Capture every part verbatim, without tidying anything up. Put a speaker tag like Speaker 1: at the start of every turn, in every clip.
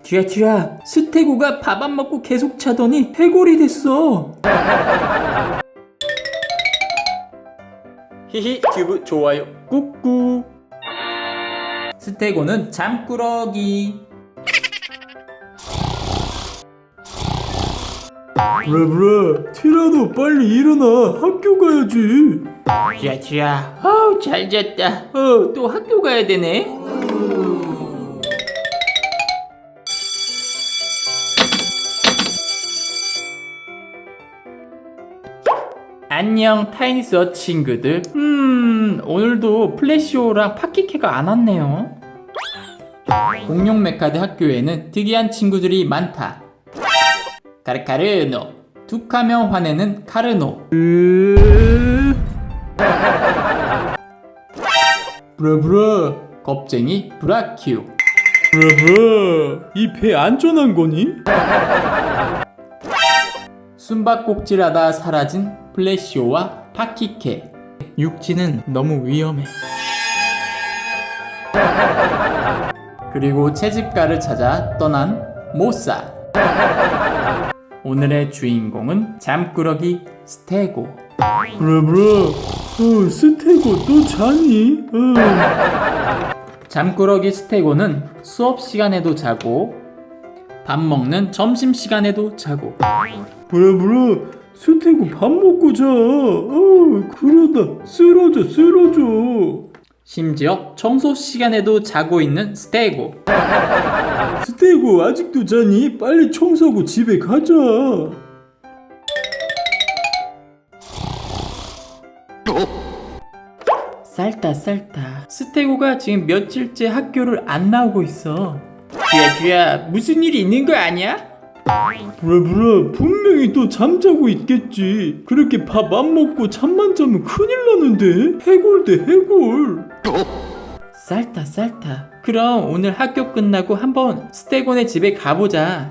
Speaker 1: 쥐야 쥐야, 스테고가 밥 안 먹고 계속 자더니 해골이 됐어. 히히 튜브 좋아요 꾹꾹. 스테고는 잠꾸러기.
Speaker 2: 브라브라, 티라노 빨리 일어나. 학교 가야지.
Speaker 1: 쥐야 쥐야, 어우 잘 잤다. 어, 또 학교 가야 되네. 안녕 타이니스어 친구들. 음 오늘도 플래시오랑 파키케가 안 왔네요. 공룡 메카드 학교에는 특이한 친구들이 많다. 카르카르노, 툭하면 화내는 카르노.
Speaker 2: 브라브라,
Speaker 1: 겁쟁이 브라큐.
Speaker 2: 브라브라, 이 배 안전한 거니?
Speaker 1: 숨바꼭질하다 사라진 플래시오와 파키케. 육지는 너무 위험해. 그리고 채집가를 찾아 떠난 모사. 오늘의 주인공은 잠꾸러기 스테고.
Speaker 2: 브라브라, 어, 스테고 또 자니? 어.
Speaker 1: 잠꾸러기 스테고는 수업 시간에도 자고 밥 먹는 점심 시간에도 자고.
Speaker 2: 브라브라, 스테고 밥 먹고 자. 어, 그러다 쓰러져 쓰러져.
Speaker 1: 심지어 청소 시간에도 자고 있는 스테고.
Speaker 2: 스테고 아직도 자니? 빨리 청소하고 집에 가자.
Speaker 1: 쌀다 쌀다. 스테고가 지금 며칠째 학교를 안 나오고 있어. 쥐야 쥐야, 무슨 일이 있는 거 아니야?
Speaker 2: 브라브라, 분명히 또 잠자고 있겠지. 그렇게 밥 안 먹고 잠만 자면 큰일 나는데. 해골 대 해골.
Speaker 1: 쌀다 쌀다. 그럼 오늘 학교 끝나고 한번 스테고네 집에 가보자.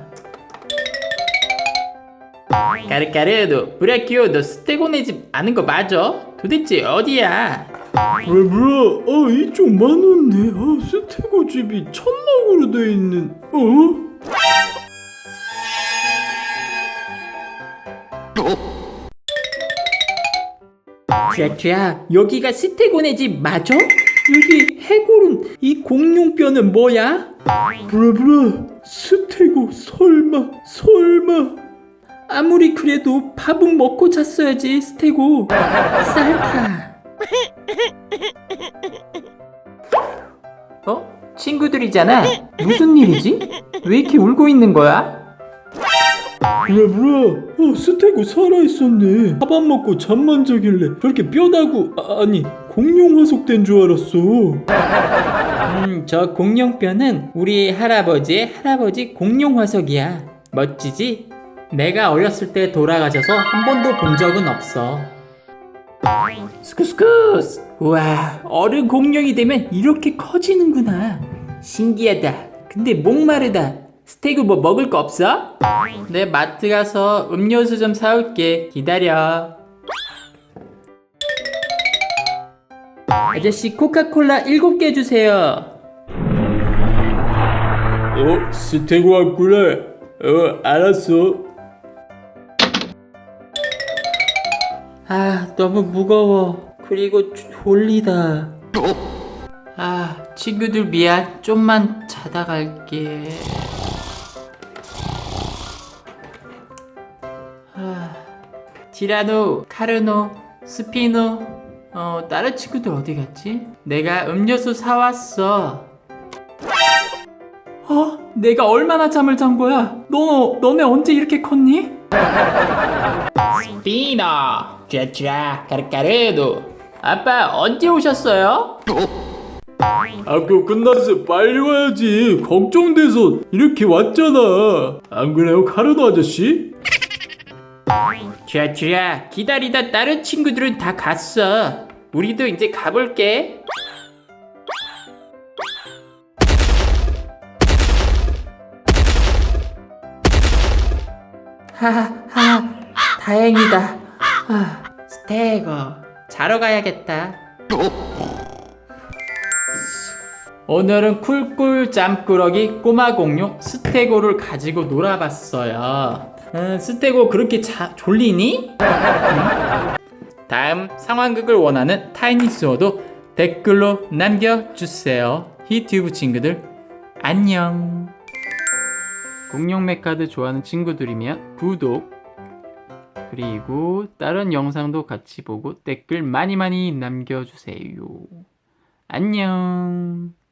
Speaker 1: 까르까르, 브라키오, 너 스테고네 집 아는 거 맞아? 도대체 어디야?
Speaker 2: 브라브라, 어, 이쪽 많은데. 아, 스테고 집이 천막으로 돼 있는. 어?
Speaker 1: 쥐야 쥐야, 여기가 스테고네 집 맞아? 여기 해골은, 이 공룡뼈는 뭐야?
Speaker 2: 브라브라, 스테고 설마 설마.
Speaker 1: 아무리 그래도 밥은 먹고 잤어야지 스테고. 쌀타. 어? 친구들이잖아. 무슨 일이지? 왜 이렇게 울고 있는 거야?
Speaker 2: 브라브라, 어, 스테고 살아있었네. 밥 안 먹고 잠만 자길래 저렇게 뼈다구, 아, 아니 공룡 화석된 줄 알았어.
Speaker 1: 음, 저 공룡뼈는 우리 할아버지의 할아버지 공룡 화석이야. 멋지지? 내가 어렸을 때 돌아가셔서 한 번도 본 적은 없어. 스쿠스쿠스! 우와, 어른 공룡이 되면 이렇게 커지는구나. 신기하다. 근데 목마르다. 스테이크 뭐 먹을 거 없어? 내 마트 가서 음료수 좀 사올게. 기다려. 아저씨, 코카콜라 일곱 개 주세요.
Speaker 2: 어, 스테고 왔구나. 어, 알았어.
Speaker 1: 아, 너무 무거워. 그리고 졸리다. 아, 친구들 미안. 좀만 자다 갈게. 아, 티라노, 카르노, 스피노, 어, 다른 친구들 어디 갔지? 내가 음료수 사왔어. 어? 내가 얼마나 잠을 잔 거야? 너, 너네 언제 이렇게 컸니? 스피노, 쥐쥐, 까르까르도. 아빠 언제 오셨어요?
Speaker 2: 학교 끝났어. 빨리 와야지. 걱정돼서 이렇게 왔잖아. 안 그래요, 카르노 아저씨?
Speaker 1: 쥐쥐야, 기다리다 다른 친구들은 다 갔어. 우리도 이제 가볼게. 하하, 다행이다. 아, 스테고, 자러 가야겠다. 오늘은 쿨꿀 짬꾸러기 꼬마 공룡 스테고를 가지고 놀아봤어요. 음, 스테고 그렇게 자, 졸리니? 다음 상황극을 원하는 타이니스워도 댓글로 남겨주세요. 히튜브 친구들 안녕. 공룡 메카드 좋아하는 친구들이면 구독, 그리고 다른 영상도 같이 보고 댓글 많이 많이 남겨주세요. 안녕.